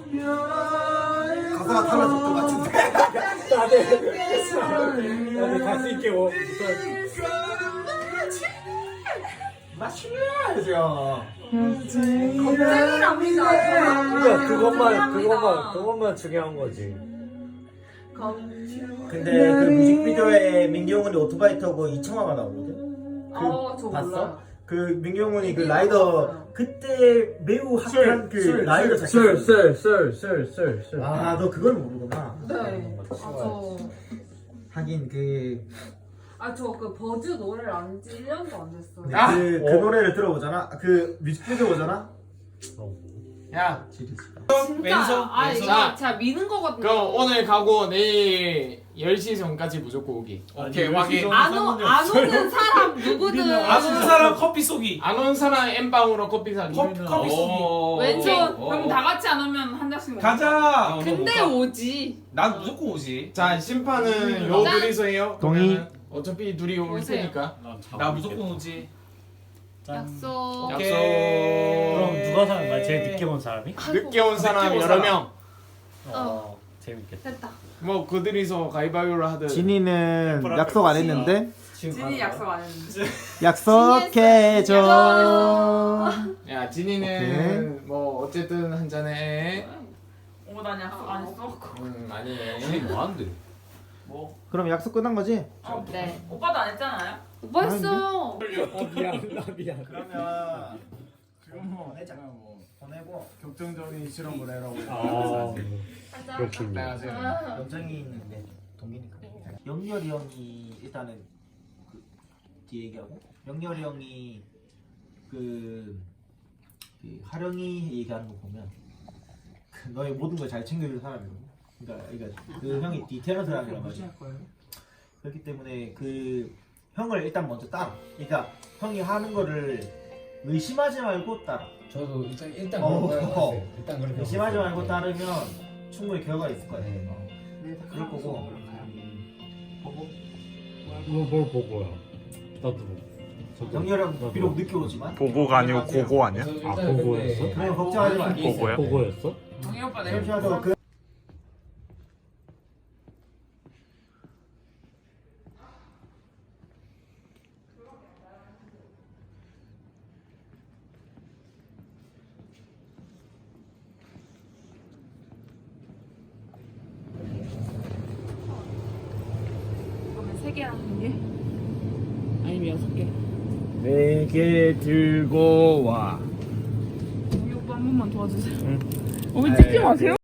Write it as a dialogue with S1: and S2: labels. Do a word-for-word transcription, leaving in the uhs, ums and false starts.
S1: 가사가 달라질 것 같은데.
S2: 다들 다들 갈수 있게 뭐.
S1: 맞추면서.
S3: 겁쟁이랍니다.
S2: 그러니까 그것만 그것만 그것만 중요한 거지.
S1: 근데 그 뮤직비디오에 민경훈이 오토바이 타고 이청아가 나오거든. 그
S3: 어, 저
S1: 봤어?
S3: 몰라요.
S1: 그 민경훈이 그 라이더 그때 매우 핫한 그 라이더 자켓.
S2: 썰썰썰썰썰.
S1: 아, 너 그걸 모르구나.
S3: 네. 아, 저,
S1: 하긴 그,
S3: 아, 저 그 버즈 노래를 안 지 일 년도 안 됐어요.
S1: 그,
S4: 야!
S1: 그
S2: 어.
S1: 노래를 들어보잖아. 그 뮤직비디오 보잖아.
S4: 야,
S1: 지리지.
S3: 진짜,
S4: 왼손,
S3: 아,
S4: 왼손.
S3: 이거 진짜 미는 거거든요.
S4: 그럼 오늘 가고 내일 열 시 전까지 무조건 오기. 오케이,
S2: 아니,
S4: 확인.
S2: 열 시 전-
S3: 안, 오, 안 오는 사람 누구든.
S4: 안 오는 사람 커피 쏘기. 안 오는 사람 엠빵으로 커피 사기.
S2: 커피- 커피 쏘기.
S3: 왼손.
S5: 그럼 다 같이 안 오면 한 장씩 먹자.
S4: 가자.
S3: 근데 오지.
S4: 난 무조건 오지. 자, 심판은 요
S3: 짠.
S4: 둘이서 해요.
S1: 동의.
S4: 그러면은 어차피 둘이 올
S3: 오세요.
S4: 테니까. 나 무조건 오지.
S3: 약속.
S4: 오케이.
S2: 그럼 누가 사는 거야? 제일 늦게 온 사람이?
S4: 늦게 온 사람
S2: 늦게 온
S4: 여러
S2: 사람.
S4: 명.
S2: 어 재밌겠다.
S3: 됐다.
S4: 뭐 그들이서 가위바위보를 하든.
S1: 진이는 약속 안 했는데
S5: 진이 약속 안 했는데.
S1: 약속해줘.
S4: 야, 진이는 뭐 어쨌든 한 잔에.
S5: 어, 난 약속 안 했어.
S4: 음, 아니.
S2: 뭐 하는데?
S5: 뭐?
S1: 그럼 약속 끝난 거지?
S3: 네.
S5: 오빠도 안 했잖아요.
S3: 오빠 했어.
S2: 아 미안 나 미안.
S1: 그러면 그럼 뭐 보내자. 보내고
S4: 격정적인 실험을 해라고.
S2: 아 그렇군요.
S1: 연정이 있는데 동기니까. 영렬이 형이 일단은 그 뒤에 얘기하고 영렬이 형이 그, 그 하령이 얘기하는 거 보면 그 너의 모든 걸 잘 챙겨줄 사람이거든. 그러니까, 그러니까 그 형이 디테일한 사람이란 말이야. 그렇기 때문에 그 형을 일단 먼저 따라. 그러니까 형이 하는 거를 의심하지 말고 따라.
S6: 저도 일단 일단
S1: 어,
S6: 그런 거
S1: 어.
S6: 해봤어요. 일단 그렇게
S1: 의심하지
S6: 해봤어요.
S1: 말고 따르면 충분히 결과가 있을 거야.
S6: 네.
S1: 어. 그럴 거고. 보고.
S2: 뭐뭘 보고요? 나도. 저도-
S1: 영렬이 형
S2: 나도.
S1: 비록 늦게 오지만
S7: 보고가 아니고 고고 아니야?
S6: 저도
S2: 아,
S6: 일단
S2: 보고였어?
S6: 근데
S1: 그냥 걱정하지 마.
S7: 보고야?
S2: 보고였어?
S5: 동희 오빠 내일
S1: 잠시 와서 그
S3: 그러면 세 개라는 게? 아니면 여섯 개?
S4: 네 개 들고 와.
S5: 동희 오빠 한 번만 도와주세요.
S3: 어머니 찍지 마세요.